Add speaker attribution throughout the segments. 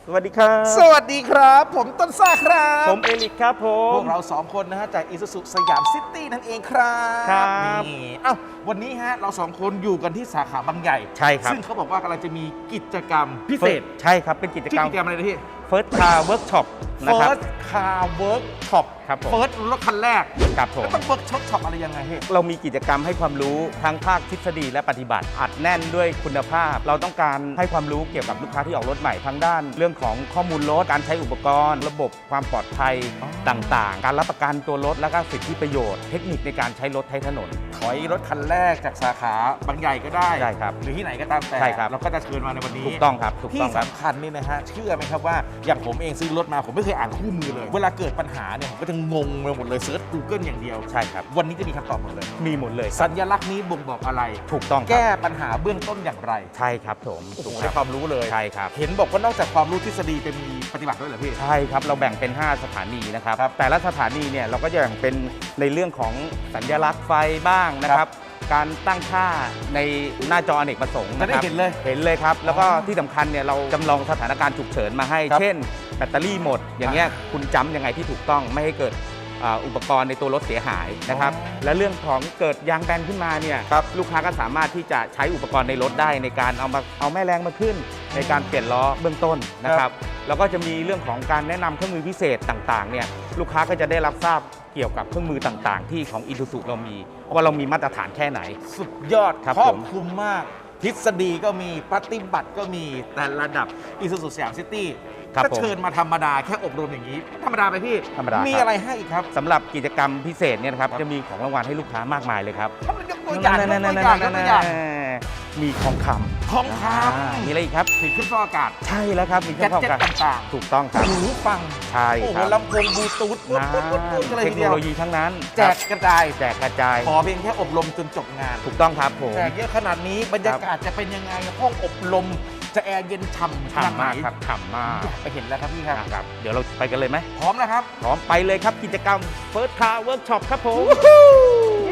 Speaker 1: สวัสดีครับ
Speaker 2: สวัสดีครับผมต้นซ่าครับ
Speaker 1: ผมเอลิกครับผ
Speaker 2: พ
Speaker 1: ม
Speaker 2: วกเรา2คนนะฮะจาก Isuzu สยามซิตี้นั่นเองครับ
Speaker 1: ครับ
Speaker 2: นี่เอ้าวันนี้ฮะเรา2คนอยู่กันที่สาขาบางใหญ่
Speaker 1: ใช่ครับ
Speaker 2: ซึ่งเขาบอกว่ากำลังจะมีกิจกรรมพิเศษ
Speaker 1: ใช่ครับเป็นกิจ
Speaker 2: ชื่
Speaker 1: กร
Speaker 2: อ
Speaker 1: รม
Speaker 2: กิจกรรมอะไรนะพี่
Speaker 1: First Car Workshop นะครับ
Speaker 2: First Car Workshop
Speaker 1: ครับผม
Speaker 2: First รถคันแรก
Speaker 1: ครับผม
Speaker 2: แล้วต้อง Workshop อะไรยังไงพี่
Speaker 1: เรามีกิจกรรมให้ความรู้ทั้งภาคทฤษฎีและปฏิบัติอัดแน่นด้วยคุณภาพ เราต้องการให้ความรู้เกี่ยวกับลูกค้าที่ออกรถใหม่ทั้งด้าน เรื่องของข้อมูลรถการใช้อุปกรณ์ ระบบความปลอดภัย
Speaker 2: อ๋อ
Speaker 1: ต่างๆ การรับประกันตัวรถและก็สิทธิประโยชน์เทคนิคในการใช้รถใช้ถนน
Speaker 2: ถอยรถคันแรกจากสาขาบางใหญ่ก็ได้
Speaker 1: ใช่ครับ
Speaker 2: หรือที่ไหนก็ตามแต่
Speaker 1: ใช่ครับ
Speaker 2: เราก็จะเชิญมาในวันนี้
Speaker 1: ถูกต้องครับถูก
Speaker 2: ที่
Speaker 1: ต้องครับ
Speaker 2: สำคัญนี่นะฮะเชื่อไหมครับว่าอย่างผมเองซื้อรถมาผมไม่เคยอ่านคู่มือเลย เวลาเกิดปัญหาเนี่ยผมก็จะงงไปหมดเลยเซิร์ช Google อย่างเดียว
Speaker 1: ใช่ครับ
Speaker 2: วันนี้จะมีคำตอบหมดเลย
Speaker 1: มีหมดเลย
Speaker 2: สัญลักษณ์นี้บ่งบอกอะไร
Speaker 1: ถูกต้องครับ
Speaker 2: แก้ปัญหาเบื้องต้นอย่างไร
Speaker 1: ใช่ครับผม
Speaker 2: โอ้โห
Speaker 1: ถูก
Speaker 2: ได้
Speaker 1: ค
Speaker 2: ครับ วามรู้เลย
Speaker 1: ใช่ครับ
Speaker 2: เห็นบอกว่านอกจากความรู้ทฤษฎีจะมีปฏิบัติด้วยเหรอพี่
Speaker 1: ใช่ครับ เราแบ่งเป็น 5 สถานีนะครับ
Speaker 2: ครับ
Speaker 1: แต่ละสถานีเนี่ยเราก็จะแบ่งเป็นในเรื่องของสัญลักษณ์ไฟบ้างนะค
Speaker 2: ครั
Speaker 1: รับ
Speaker 2: บ
Speaker 1: การตั้งค่าในหน้าจออเนกประสงค์
Speaker 2: จะ
Speaker 1: นะ
Speaker 2: ได้
Speaker 1: ครับ
Speaker 2: เห็นเลย
Speaker 1: เห็นเลยครับ แล้วก็
Speaker 2: อ๋อ
Speaker 1: ที่สำคัญเนี่ยเราจำลองสถานการณ์ฉุกเฉินมาให้
Speaker 2: ครับ
Speaker 1: เช่น แบตเตอรี่หมด อย่างเงี้ยคุณจำยังไงที่ถูกต้องไม่ให้เกิดอุปกรณ์ในตัวรถเสียหายนะครับ
Speaker 2: อ๋อ
Speaker 1: และเรื่องของเกิดยางแบนขึ้นมาเนี่ย
Speaker 2: ครับ
Speaker 1: ลูกค้าก็สามารถที่จะใช้อุปกรณ์ในรถได้ในการเอาแม่แรงมาขึ้น ในการเปลี่ยนล้อเบื้องต้นนะครับ แล้วก็จะมีเรื่องของการแนะนำเครื่องมือพิเศษต่างๆเนี่ยลูกค้าก็จะได้รับทราบเกี่ยวกับเครื่องมือต่างๆ ที่ของ Isuzu เรามีว่าเรามีมาตรฐานแค่ไหน
Speaker 2: สุดยอด
Speaker 1: ครับ
Speaker 2: ครอบ
Speaker 1: ผม
Speaker 2: คลุมมาก ทฤษฎีก็มีปฏิบัติก็มีแต่ระดับ Isuzu สยามซิตี้
Speaker 1: ครับ
Speaker 2: ถ้า
Speaker 1: ผม
Speaker 2: เชิญมาธรรมดาแค่อบรมอย่างนี้ ธรรมดาไปพี่
Speaker 1: ธรรมดา
Speaker 2: มี
Speaker 1: ครับ
Speaker 2: อะไรให้อีกครับ
Speaker 1: สำหรับกิจกรรมพิเศษเนี่ยนะครับจะมีของรางวัลให้ลูกค้ามากมายเลยครับ
Speaker 2: ถ้ามันยกตัวอย่างยกตัวอย่างยกตัวอย่าง
Speaker 1: มีทองค
Speaker 2: ทองค
Speaker 1: ำมีอะไรอีกครับ
Speaker 2: ำถึงขึ้นฟอกอากาศ
Speaker 1: ใช่แล้วครับมีเค
Speaker 2: แก
Speaker 1: รื่อง
Speaker 2: ด
Speaker 1: ฟอก
Speaker 2: เจ็ต
Speaker 1: อากาศ
Speaker 2: ต่าง
Speaker 1: ถูกต้องครับ
Speaker 2: ๆหูฟัง
Speaker 1: ใช่
Speaker 2: โอ้โห
Speaker 1: ครับ
Speaker 2: ลำโพงบลูทูธปุ๊บ
Speaker 1: นะ
Speaker 2: ปุ๊บปุ๊บปุ๊บกันเลย
Speaker 1: เท
Speaker 2: ที
Speaker 1: ค
Speaker 2: เดี
Speaker 1: โน
Speaker 2: ยว
Speaker 1: โลยีทั้งนั้น
Speaker 2: แจกกระจาย
Speaker 1: แจกกระจาย
Speaker 2: ขอเพียงแค่อบรมจนจบงาน
Speaker 1: ถูกต้องครับผม
Speaker 2: แจกเยอะขนาดนี้บรรยากาศจะเป็นยังไงห้องอบรมจะแอร์เย็นฉ่ำขนาด
Speaker 1: ฉ่ำ
Speaker 2: ไหน
Speaker 1: มากครับฉ่ำมาก
Speaker 2: อยากไปเห็นแล้วครับพี่ครับ
Speaker 1: นะครับเดี๋ยวเราไปกันเลยไหม
Speaker 2: พร้อมนะครับ
Speaker 1: พร้อมไปเลยครับกิจกรรม First Car Workshop ครับผมเย้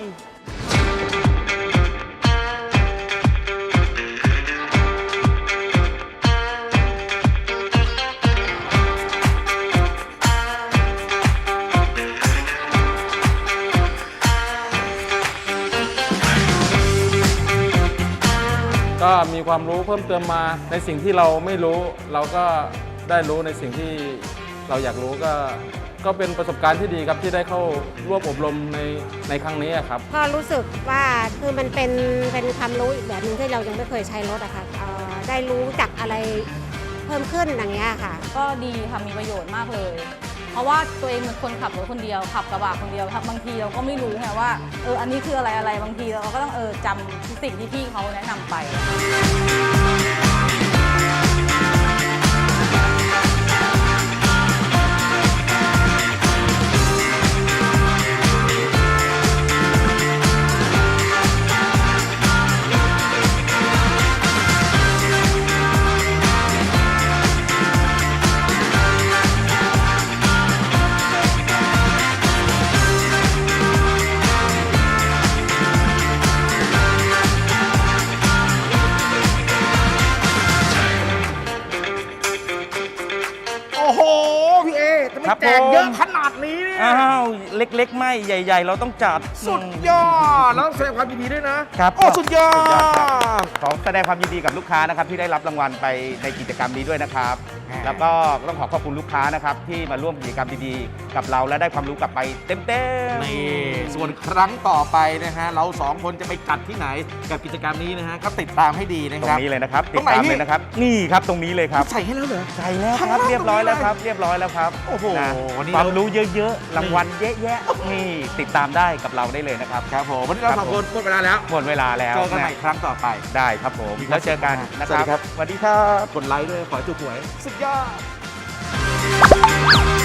Speaker 3: ก็มีความรู้เพิ่มเติมมาในสิ่งที่เราไม่รู้ เราก็ได้รู้ในสิ่งที่เราอยากรู้ก็เป็นประสบการณ์ที่ดีครับที่ได้เข้าร่วมอบรมในครั้งนี้ครับ
Speaker 4: ก็รู้สึกว่าคือมันเป็นความรู้อีกแบบหนึงที่เรายังไม่เคยใช้รถอะค่ะได้รู้จักอะไรเพิ่มขึ้นอย่างเงี้ยค่ะ
Speaker 5: ก็ดีค่ะมีประโยชน์มากเลย เพราะว่าตัวเองเป็นคนขับรถคนเดียวขับกระบะคนเดียวบางทีเราก็ไม่รู้ไงว่าอันนี้คืออะไรบางทีเราก็ต้องจำสิ่งที่พี่เขาแนะนำไป
Speaker 2: โอ้โห พี่เอทำไม
Speaker 1: ครับ
Speaker 2: แจกเยอะ
Speaker 1: ผม
Speaker 2: ขนาดนี้เนี่ย
Speaker 1: อ้าวเล็กๆ ไม่ใหญ่ ๆ เราต้องจัด
Speaker 2: สุดยอด แล้วแสดงความยินดีด้วยนะ
Speaker 1: ครับ
Speaker 2: โอ้สุดยอ
Speaker 1: สุดยอดครับ
Speaker 2: ด
Speaker 1: ขอแสดงความยินดีกับลูกค้านะครับที่ได้รับรางวัลไปในกิจกรรมนี้ด้วยนะครับ
Speaker 2: อ่า
Speaker 1: แล้วก็ต้องขอขอบคุณลูกค้านะครับที่มาร่วมกิจกรรมดีๆกับเราและได้ความรู้กลับไปเต็มๆ
Speaker 2: นี่ส่วนครั้งต่อไปนะฮะ เราสองคนจะไปจัดที่ไหนกับกิจกรรมนี้นะฮะ ก็ติดตามให้ดีนะ
Speaker 1: ตร
Speaker 2: ครั
Speaker 1: ง
Speaker 2: บ
Speaker 1: นี้เลยนะครับ
Speaker 2: ต
Speaker 1: ติ
Speaker 2: ร
Speaker 1: ด
Speaker 2: งไหน
Speaker 1: ตาม
Speaker 2: พี่
Speaker 1: เลยนะครับ นี่ครับตรงนี้เลยครับ
Speaker 2: ใส่ให้แล้วเหรอ
Speaker 1: ใช่แล้วค
Speaker 2: ข้าง
Speaker 1: รับ
Speaker 2: ล่าง
Speaker 1: เรียบร้อยแล้ว
Speaker 2: ตรงนี้เลย
Speaker 1: ครับเรียบร้อยแล้วครับ
Speaker 2: โอ้โห
Speaker 1: นะ
Speaker 2: วันนี้
Speaker 1: ความ
Speaker 2: เรา
Speaker 1: รู้เยอะๆรางวัลเยอะแยะนี่ติดตามได้กับเราได้เลยนะครับ
Speaker 2: ครับผมวันนี้เรา
Speaker 1: ครับ
Speaker 2: สองคนหมดเวลาแล้ว
Speaker 1: หมดเวลาแล้ว
Speaker 2: เจอกันใหม่
Speaker 1: ะ
Speaker 2: ครั้งต่อไป
Speaker 1: ได้ครับผม
Speaker 2: มีความ
Speaker 1: แล้วเจอกัน
Speaker 2: สุขมาก
Speaker 1: นะ
Speaker 2: สวัสดี
Speaker 1: ค
Speaker 2: ครั
Speaker 1: รับ บสวัสดีครับ
Speaker 2: กดไลค์ด้วย ขอให้ถูกหวย สุดยอด